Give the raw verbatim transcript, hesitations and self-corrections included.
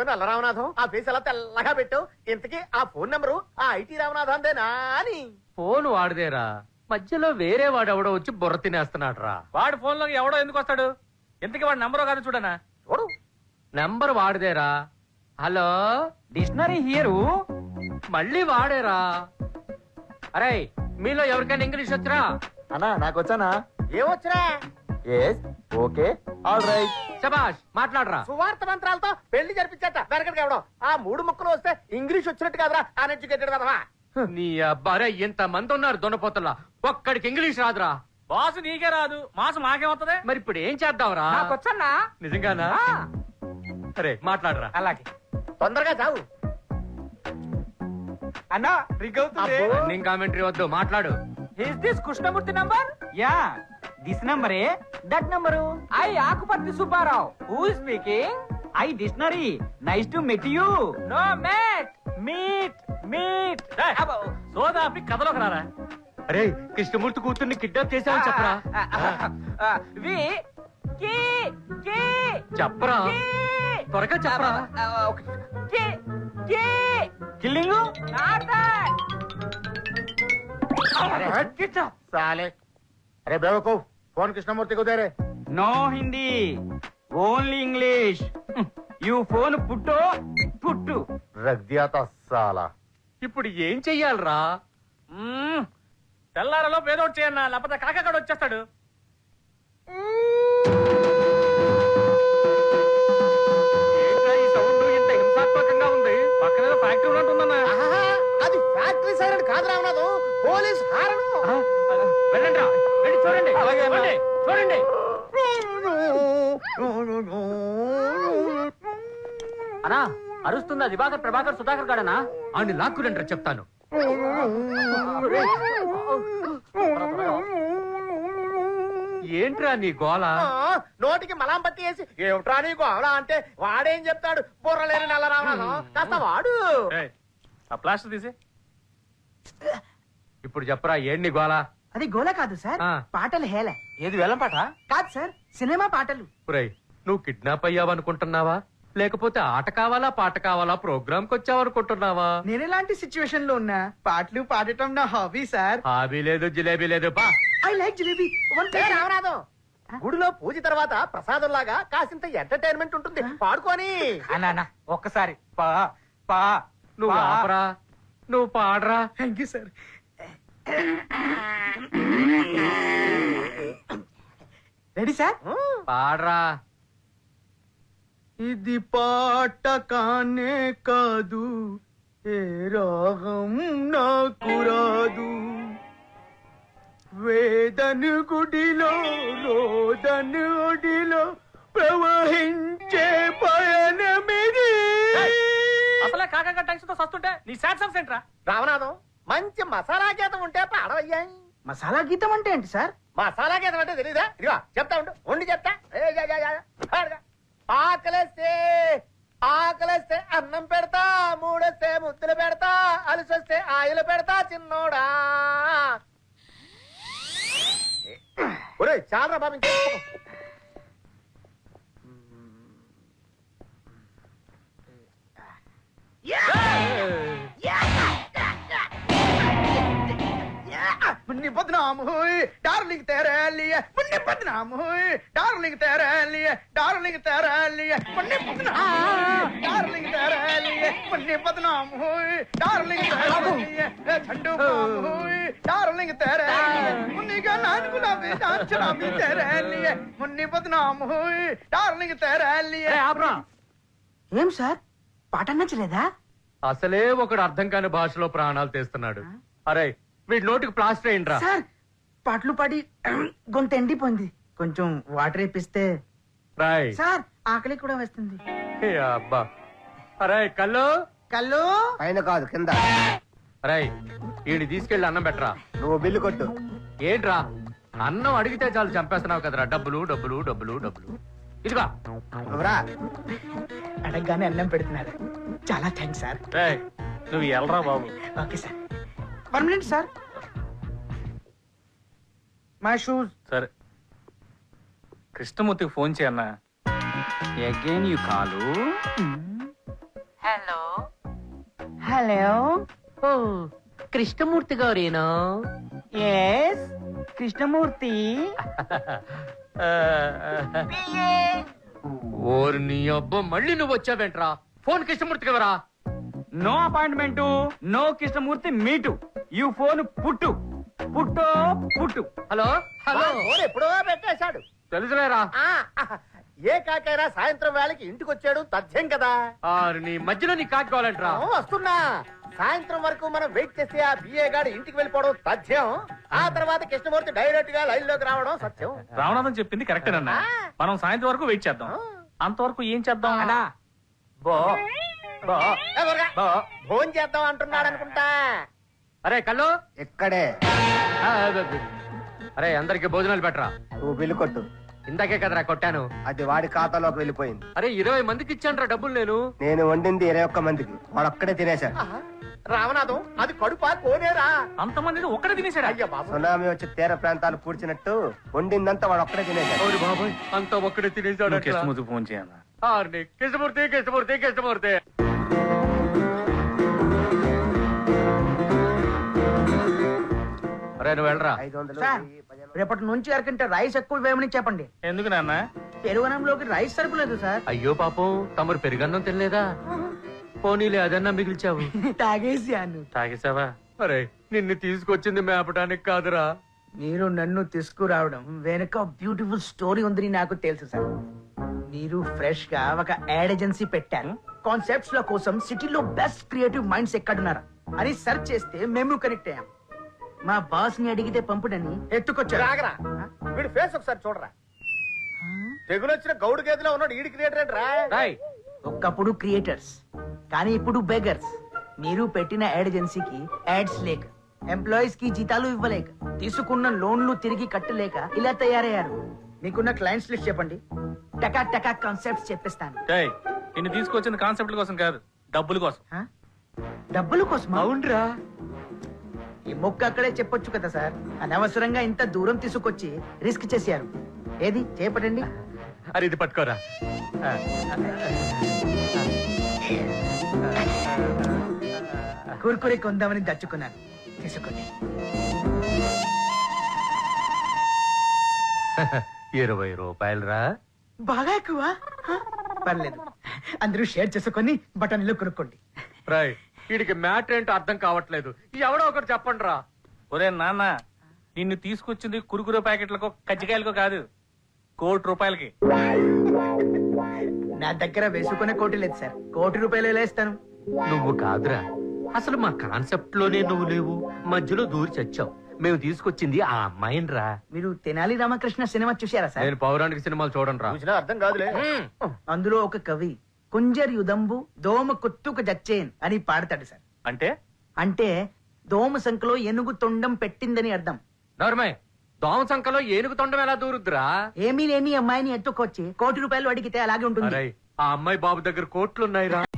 నల్ల రామనాథం ఆ ఫేస్ ఎలా తెల్లగా పెట్టావు? ఇంతకీ ఆ ఫోన్ నెంబరు ఆ ఐటీ రామనాథందేనా అని. ఫోన్ వాడిదేరా, మధ్యలో వేరే వాడు ఎవడో వచ్చి బుర్ర తినేస్తున్నాడు రా. వాడు ఫోన్ లో ఎవడో ఎందుకు వస్తాడు? ఇంతకీ వాడు నంబర్ కాదు చూడనా. చూడు నెంబర్ వాడిదేరా. Hello, dictionary here. మళ్ళీ వాడేరా. అరే మీలో ఎవరికైనా ఇంగ్లీష్ వచ్చరా? అన్నా నాకు వచ్చానా? ఏమొచ్చినా ఓకే ఆల్ రైట్. శబాష్, మాట్లాడరా. సువార్త మంత్రాలతో పెళ్లి జరిపించట వెనకడికి ఎవడం. ఆ మూడు ముక్కలు వస్తే ఇంగ్లీష్ వచ్చినట్టు కాదురా అన్ఎడ్యుకేటెడ్ కదవా. నీ అబ్బారే ఇంత మంది ఉన్నారు దొనపోతల్లా, ఒక్కడికి ఇంగ్లీష్ రాదురా. బాసు నీకే రాదు, మాసు మాకేమవుతుంది? మరి ఇప్పుడు ఏం చేద్దాంరా? వచ్చన్నా. నిజంగానా? అరే మాట్లాడరా. అలాగే తొందరగా చావు. అన్నా రింగ్ అవుతుంది. రన్నింగ్ కామెంటరీ వద్దు, మాట్లాడు. Is this Krishnamurthy number? Ya this number a that number. I Akupatri Subbarao. Who is speaking? I dictionary. Nice to meet you. No mate meet meet. సోదాపి కథలోకి రారా. అరే కృష్ణమూర్తి కూతుర్ని కిడ్నాప్ చేశావని చెప్పరా. వి కి కి చెప్పరా, త్వరగా చెప్పరా. కి కి కిల్లింగ్ నాట్ దట్. साले अरे बेवकूफ फोन कृष्णमूर्ति को दे रहे. No Hindi only English. You phone put put. रख दिया था साला. ఇప్పుడు ఏం చెయ్యాలరా? తెల్లారలో పేదోడు చేయన్నా, లేకపోతే కాకగాడు వచ్చేస్తాడు. ఏంట్రా ఈ సౌండ్ ఇంత హింసాత్మకంగా ఉంది? పక్కన ఫ్యాక్టరీ ఉన్నట్టుందన్నా. అది ఫ్యాక్టరీ సైరన్ కాదు రామనాథం, పోలీస్ హారను. వెళ్ళండి రా, వెళ్ళి చూడండి. అలాగే అన్నా. చూడండి, చూడండి. అనా అరుస్తుందా దివాకర్ ప్రభాకర్ సుధాకర్ గాడనా? అని లాక్కురండి చెప్తాను. ఏంట్రా నీ గోల? నోటికి మలాం పట్టి వేసి ఏమిట్రా నీకు అవలా అంటే వాడేం చెప్తాడు? బుర్రలేని నల్ల రామనాథం కాస్త వాడు. ఆ ప్లాస్టర్ తీసి. ఇప్పుడు చెప్పరా ఏంటి నీ గోల? అది గోల కాదు సార్, ఆ. పాటలు హేళ. ఏది వేలం పాట? కాదు సార్, సినిమా పాటలు. ఒరేయ్, నువ్వు కిడ్నాప్ అయ్యావనుకుంటున్నావా, లేకపోతే ఆట కావాలా పాట కావాలా ప్రోగ్రామ్ కి వచ్చావనుకుంటున్నావా? నేను ఎలాంటి సిచ్యువేషన్ లో ఉన్నా పాటలు పాడటం నా హాబీ సార్. హాబీ లేదు జిలేబీ లేదు. బా ఐ లైక్ జిలేబీ. ఏ రామనాథం, గుడిలో పూజ తర్వాత ప్రసాదం లాగా కాసింత ఎంటర్టైన్మెంట్ ఉంటుంది, పాడుకొని. అన్నా ఒక్కసారి పా పా. నువ్వు ఆపరా, నువ్వు పాడరా. Thank you sir. Ready sir? పాడరా. ఇది పాట కానే కాదు, ఏ రాగం నాకు రాదు. వేదను గుడిలో రోదను ఒడిలో ప్రవహించే పయనమిది. అసలే కాకగా టెన్షన్ తో సస్తుంటే నీ సాట్సం సెంటరా. రామనాథం, మంచి మసాలా గీతం ఉంటే పాడవయ్యా. మసాలా గీతం అంటే ఏంటి సార్? మసాలా గీతం అంటే తెలీదా? ఇదిగో చెప్తా ఉండు, ఉండి చెప్తా. ఏ, యా, యా, యా, పాడుగా. ఆకలేస్తే ఆకలేస్తే అన్నం పెడతా, మూడేస్తే ముద్దులు పెడతా, అలసొస్తే ఆయిలు పెడతా చిన్నోడా. ఒరే చాలా బాబు, ఇంకేం मुन्नी बदनाम हुई डार्लिंग तेरे लिए, मुन्नी बदनाम हुई डार्लिंग तेरे लिए, डार्लिंग तेरे लिए मुन्नी बदनाम हुई डार्लिंग तेरे लिए, मुन्नी बदनाम हुई डार्लिंग तेरे लिए, झंडू बाम हुई डार्लिंग तेरे लिए, मुन्नी का नान गुलाबी नान शराबी तेरे लिए, मुन्नी बदनाम हुई डार्लिंग तेरे लिए. ఆపరా. ఏం సార్ పాట నచ్చలేదా? అసలే ఒకడు అర్థం కాని భాషలో ప్రాణాలు తీస్తున్నాడు. అరే వీడి నోటికి ప్లాస్టర్ అయ్యిండ్రా. సార్ పాటలు పాడి గొంతు ఎండిపోయింది, కొంచెం వాటర్ వేపిస్తే. రాయ్ సార్ ఆకలి కూడా వస్తుంది. ఏ అబ్బా. అరే కళ్ళు కళ్ళు పైన కాదు కింద. అరే వీడిని తీసుకెళ్లి అన్నం పెట్టరా. నువ్వు బిల్లు కొట్టు. ఏంట్రా అన్నం అడిగితే చాలు చంపేస్తున్నావు కదరా. డబ్బులు డబ్బులు డబ్బులు డబ్బులు. ఇదిగా అడగగానే అన్నం పెడుతున్నారు, చాలా థ్యాంక్స్ సార్. రేయ్, నువ్వు ఎల్రా బాబు. Okay sir. One minute sir. My shoes. సరే కృష్ణమూర్తికి ఫోన్ చేయన్నా. Again you call. Hello hello oh Krishnamurthy గారేనా ఎస్ కృష్ణమూర్తి ఓరి నీ అబ్బ మళ్ళీ నువ్వు వచ్చావేంట్రా ఫోన్ కృష్ణమూర్తి కదరా no appointment no Krishnamurthy meet you phone put put పుట్టు హలో హలో ఫోన్ ఎప్పుడో పెట్టేశాడు. తెలుసులేరా ఆ, ఏ కాకైనా సాయంత్రం వేళకి ఇంటికి వచ్చాడు తథ్యం కదా. ఆరు నీ మధ్యలో నీ కాకి కావాలంట్రా ఆ, వస్తున్నా. సాయంత్రం వరకు మనం వెయిట్ చేస్తే ఆ బిఏ గాడు ఇంటికి వెళ్ళిపోవడం తథ్యం. ఆ తర్వాత కృష్ణమూర్తి డైరెక్ట్ గా లైన్ లోకి రావడం సత్యం. రావణాథం చెప్పింది కరెక్టేనన్నా. మనం సాయంత్రం వరకు వెయిట్ చేద్దాం. అంతవరకు ఏం చేద్దాం అన్నా బో బో ఏ ఊరగా. భోజనం చేద్దాం అంటున్నాడు అనుకుంటా. అరే కళ్ళు ఇక్కడే ఆ, అరే అందరికి భోజనాలు పెట్టరా నువ్వు బిల్లు కొట్టు. ఇందాకే కదరా కొట్టాను. అది వాడి ఖాతాలోకి వెళ్ళిపోయింది. అరే ఇరవై మందికి ఇచ్చాను డబ్బులు నేను. నేను వండింది ఇరవై ఒక్క మందికి, వాడు ఒక్కడే తినేశాడు. రామనాథం అది కడుపా కోనేరా? అంతమంది ఒక్కడే తినేసాడు. అయ్యా బాబు, సునామీ వచ్చి తీర ప్రాంతాలు పూడ్చినట్టు వండిందంతా వాడు ఒక్కడే తినేశాడు. అవును బాబాయ్ అంతా ఒక్కడే తినేసాడు. కృష్ణమూర్తి ఫోన్ చేయాలా? ఆర్ని కృష్ణమూర్తి కృష్ణమూర్తి కృష్ణమూర్తి అరే నువ్వు వెళ్ళరా. ఐదు వందలు సార్, రేపటి నుంచి అరకంటే రైస్ ఎక్కువ వేయమని చెప్పండి. ఎందుకు నాన్న? పెరుగనంలోకి రైస్ సరిపోలేదు సార్. అయ్యో పాపం తమరు పెరుగన్నం తినలేదా? పోనీలే అదన్నా మిగిల్చావు. తాగేసాను. తాగేసావా? అరే నిన్ను తీసుకొచ్చింది మేపటానికి కాదురా. మీరు నన్ను తీసుకురావడం వెనక బ్యూటిఫుల్ స్టోరీ ఉందని నాకు తెలుసు సార్. మీరు ఫ్రెష్ గా ఒక యాడ్ ఏజెన్సీ పెట్టారు. కాన్సెప్ట్స్ ల కోసం సిటీలో బెస్ట్ క్రియేటివ్ మైండ్స్ ఎక్కడున్నారు అని సెర్చ్ చేస్తే మేము కనెక్ట్ అయ్యాం. మా బాస్ ని అడిగితే పంపుడని ఎత్తుకొచ్చారు. రాగరా, వీడి ఫేస్ ఒకసారి చూడరా. తెగులు వచ్చిన గౌడు గేదెలో ఉన్నాడు. ఈడి క్రియేటర్ ఏంట్రా? రాయ్ ఒకప్పుడు క్రియేటర్స్, కానీ ఇప్పుడు బెగర్స్. మీరు పెట్టిన యాడ్ ఏజెన్సీకి యాడ్స్ లేక, ఎంప్లాయీస్ కి జీతాలు ఇవ్వలేక, తీసుకున్న లోన్లు తిరిగి కట్టలేక ఇలా తయారయ్యారు. మీకున్న క్లయింట్స్ లిస్ట్ చెప్పండి, టకా టకా కాన్సెప్ట్స్ చెప్పిస్తాను. ఏయ్, నిన్ను తీసుకొచ్చింది కాన్సెప్ట్ కోసం కాదు, డబ్బుల కోసం. హ? డబ్బుల కోసం? అవునరా. ఈ మొక్క అక్కడే చెప్పొచ్చు కదా సార్. అనవసరంగా ఇంత దూరం తీసుకొచ్చి రిస్క్ చేశారు. ఏది చేపట్టండి. అరే ఇది పట్టుకోరా. కుర్కురే కొందామని దచ్చుకున్నాను. తీసుకోండి. ఇరవై రూపాయలు రా. బాగా ఎక్కువ. హ? పర్లేదు, అందరూ షేర్ చేసుకొని బటన్లు కొనుక్కోండి. రాయ్ వీడికి మ్యాటర్ ఏంటో అర్థం కావట్లేదు. ఎవడో ఒకటి చెప్పండి రా. ఒరే నాన్న, నిన్ను తీసుకొచ్చింది కురుకురు ప్యాకెట్లకో కజ్జికాయలకో కాదు, కోటి రూపాయలకి. నా దగ్గర వేసుకునే కోటి లేదు సార్. కోటి రూపాయలు ఎలా ఇస్తాను? నువ్వు కాదురా, అసలు మా కాన్సెప్ట్ లోనే నువ్వు లేవు. మధ్యలో దూరి చచ్చావు. మేము తీసుకొచ్చింది ఆ అమ్మాయిని రా. మీరు తెనాలి రామకృష్ణ సినిమా చూశారా సార్? నేను పౌరాణిక సినిమాలు చూడండి రా. చూసినా అర్థం కాదులే. అందులో ఒక కవి కుంజర్ యుదంబు దోమ కొత్తుకు జచ్చేన్ అని పాడతాడు సార్. అంటే అంటే దోమ సంఖలో ఏనుగు తొండం పెట్టిందని అర్థం. నోర్మయ్, దోమ సంఖలో ఏనుగు తొండం ఎలా దూరుద్దురా? ఏమీ లేని అమ్మాయిని ఎత్తుకొచ్చి కోటి రూపాయలు అడిగితే అలాగే ఉంటుంది. అరే ఆ అమ్మాయి బాబు దగ్గర కోట్లున్నాయిరా.